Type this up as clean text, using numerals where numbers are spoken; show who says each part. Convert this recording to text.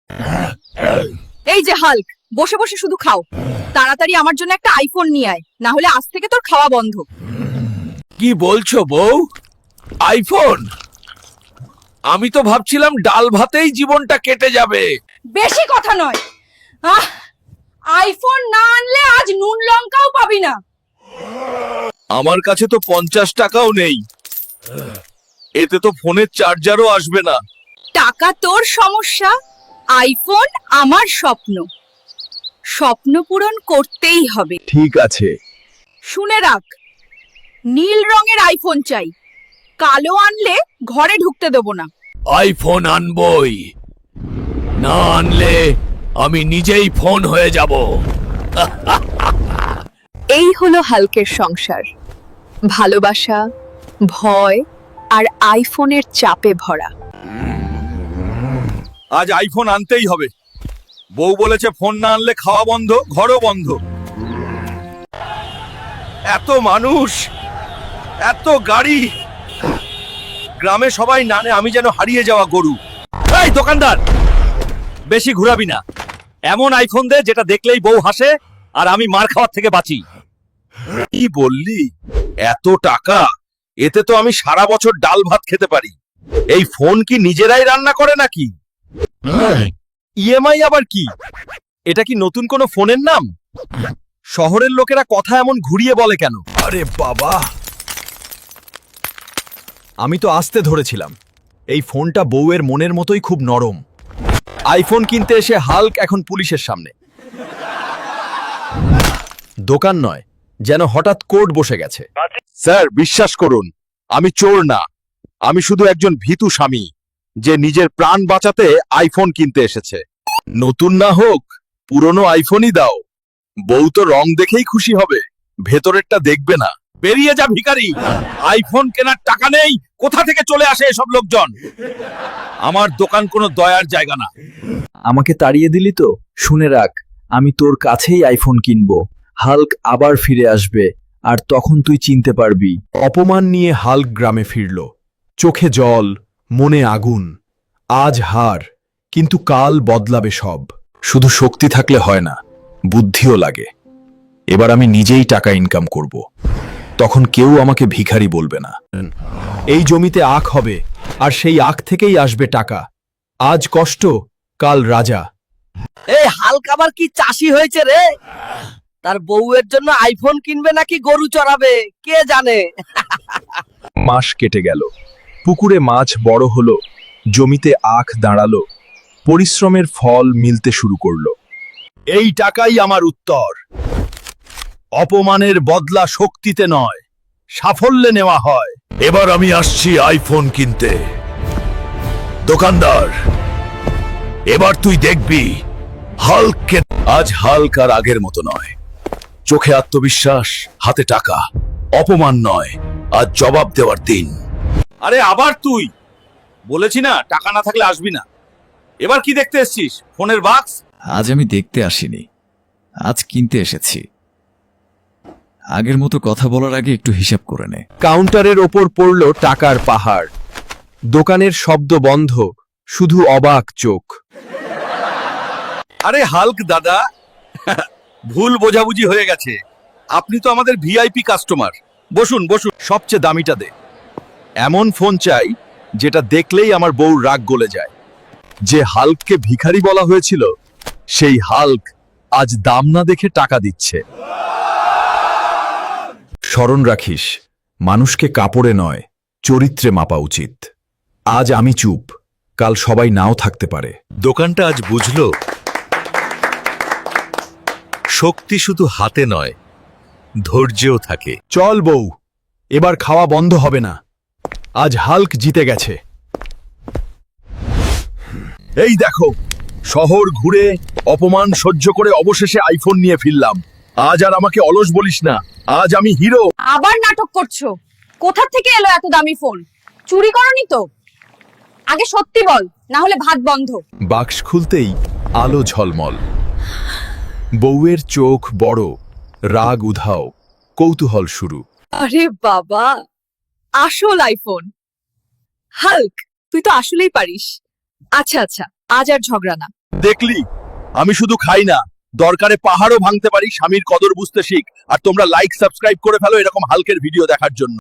Speaker 1: এই যে হাল্ক, বসে বসে শুধু খাও। তাড়াতাড়ি আমার জন্য একটা আইফোন নিয়ে আয়, না হলে আজ থেকে তোর খাওয়া বন্ধ।
Speaker 2: কি বলছো বউ? আইফোন? আমি তো ভাবছিলাম ডাল ভাতেই জীবনটা কেটে যাবে।
Speaker 1: বেশি কথা নয়। আইফোন না আনলে আজ নুন লঙ্কাও পাবি না।
Speaker 2: আমার কাছে তো 50 টাকাও নেই। এতে তো ফোনের চার্জারও আসবে না।
Speaker 1: টাকা তোর সমস্যা, আইফোন আমার স্বপ্ন। স্বপ্ন পূরণ করতেই হবে।
Speaker 2: ঠিক আছে।
Speaker 1: শুনে রাখ, নীল রঙের আইফোন চাই। কালো আনলে ঘরে ঢুকতে দেব না।
Speaker 2: আইফোন আনবই, না আনলে আমি নিজেই ফোন হয়ে যাব।
Speaker 1: এই হলো হাল্কের সংসার, ভালোবাসা, ভয় আর আইফোনের চাপে ভরা।
Speaker 2: আজ আইফোন আনতেই হবে। বউ বলেছে ফোন না আনলে খাওয়া বন্ধ, ঘরও বন্ধ। এত মানুষ, এত গাড়ি, গ্রামে সবাই নানে আমি যেন হারিয়ে যাওয়া গরু। এই দোকানদার, বেশি ঘুরাবি না। এমন আইফোন দে যেটা দেখলেই বউ হাসে আর আমি মার খাওয়ার থেকে বাঁচি। কি বললি? এত টাকা? এতে তো আমি সারা বছর ডাল ভাত খেতে পারি। এই ফোন কি নিজেরাই রান্না করে নাকি? ইএমআই আবার কি? এটা কি নতুন কোনো ফোনের নাম? শহরের লোকেরা কথা এমন ঘুরিয়ে বলে কেন? আরে বাবা, আমি তো আসতে ধরেছিলাম। এই ফোনটা বউয়ের মনের মতোই খুব নরম। আইফোন কিনতে এসে হাল্ক এখন পুলিশের সামনে। দোকান নয়, যেন হঠাৎ কোর্ট বসে গেছে। স্যার বিশ্বাস করুন, আমি চোর না। আমি শুধু একজন ভীতু স্বামী যে নিজের প্রাণ বাঁচাতে আইফোন কিনতে এসেছে। নতুন না হোক, পুরনো আইফোনই দাও। বউ তো রং দেখেই খুশি হবে, ভেতরেরটা দেখবে না। বেরিয়ে যা ভিখারি। আইফোন কেনার টাকা নেই, কোথা থেকে চলে আসে এসব লোকজন? আমার দোকান কোনো দয়ার জায়গা না।
Speaker 3: আমাকে তাড়িয়ে দিলি তো? শুনে রাখ, আমি তোর কাছেই আইফোন কিনবো। হাল্ক আবার ফিরে আসবে, আর তখন তুই চিনতে পারবি।
Speaker 4: অপমান নিয়ে হাল্ক গ্রামে ফিরল। চোখে জল, মনে আগুন। আজ হার, কিন্তু কাল বদলাবে সব। শুধু শক্তি থাকলে হয় না, বুদ্ধিও লাগে। এবার আমি নিজেই টাকা ইনকাম করব। তখন কেউ আমাকে ভিখারি বলবে না। এই জমিতে আখ হবে, আর সেই আখ থেকেই আসবে টাকা। আজ কষ্ট, কাল রাজা।
Speaker 5: এই হাল্ক আবার কি চাষি হয়েছে রে? তার বউয়ের জন্য আইফোন কিনবে নাকি গরু চড়াবে কে জানে।
Speaker 4: মাস কেটে গেল, পুকুরে মাছ বড় হলো, জমিতে আখ দাঁড়ালো, পরিশ্রমের ফল মিলতে শুরু করলো।
Speaker 2: এই টাকাই আমার উত্তর। অপমানের বদলা শক্তিতে নয়, সাফল্যে নেওয়া হয়। এবার আমি আসছি আইফোন কিনতে। দোকানদার, এবার তুই দেখবি হাল্ককে। আজ হাল্ক আর আগের মতো নয়। চোখে আত্মবিশ্বাস, হাতে টাকা। অপমান নয়, আজ জবাব দেওয়ার দিন। আরে আবার তুই? বলেছি না টাকা না থাকলে আসবি না। এবার কি দেখতে এসছিস? ফোনের বাক্স?
Speaker 6: আজ আমি দেখতে আসিনি, আজ কিনতে এসেছি। আগের মতো কথা বলার আগে একটু হিসাব করে নে।
Speaker 4: কাউন্টারের ওপর পড়ল টাকার পাহাড়। দোকানের শব্দ বন্ধ, শুধু অবাক চোখ।
Speaker 2: আরে হাল্ক দাদা, ভুল বোঝাবুঝি হয়ে গেছে। আপনি তো আমাদের ভিআইপি কাস্টমার। বসুন বসুন, সবচেয়ে দামিটা দে। এমন ফোন চাই যেটা দেখলেই আমার বউর রাগ গলে যায়। যে হাল্ককে ভিখারি বলা হয়েছিল, সেই হাল্ক আজ দাম না দেখে টাকা দিচ্ছে।
Speaker 4: স্মরণ রাখিস, মানুষকে কাপড়ে নয়, চরিত্রে মাপা উচিত। আজ আমি চুপ, কাল সবাই নাও থাকতে পারে।
Speaker 2: দোকানটা আজ বুঝলো, শক্তি শুধু হাতে নয়, ধৈর্যও থাকে।
Speaker 4: চল বউ, এবার খাওয়া বন্ধ হবে না। আজ হাল্ক জিতে গেছে।
Speaker 2: এই দেখো, শহর ঘুরে অপমান সহ্য করে অবশেষে আইফোন নিয়ে ফিরলাম। আজ আর আমাকে অলস বলিস না, আজ আমি হিরো।
Speaker 1: আবার নাটক করছো? কোথা থেকে এলো এত দামি ফোন? চুরি করনি তো? আগে সত্যি বল, না হলে ভাত বন্ধ।
Speaker 4: বাক্স খুলতেই আলো ঝলমল। বউয়ের চোখ বড়, রাগ উধাও, কৌতূহল শুরু।
Speaker 1: আরে বাবা, আসল আইফোন। হাল্ক, তুই তো আসলেই পারিস। আচ্ছা আচ্ছা, আজ আর ঝগড়া না।
Speaker 2: দেখলি আমি শুধু খাই না, দরকারে পাহাড়ও ভাঙতে পারি। স্বামীর কদর বুঝতে শিখ। আর তোমরা লাইক সাবস্ক্রাইব করে ফেলো এরকম হালকের ভিডিও দেখার জন্য।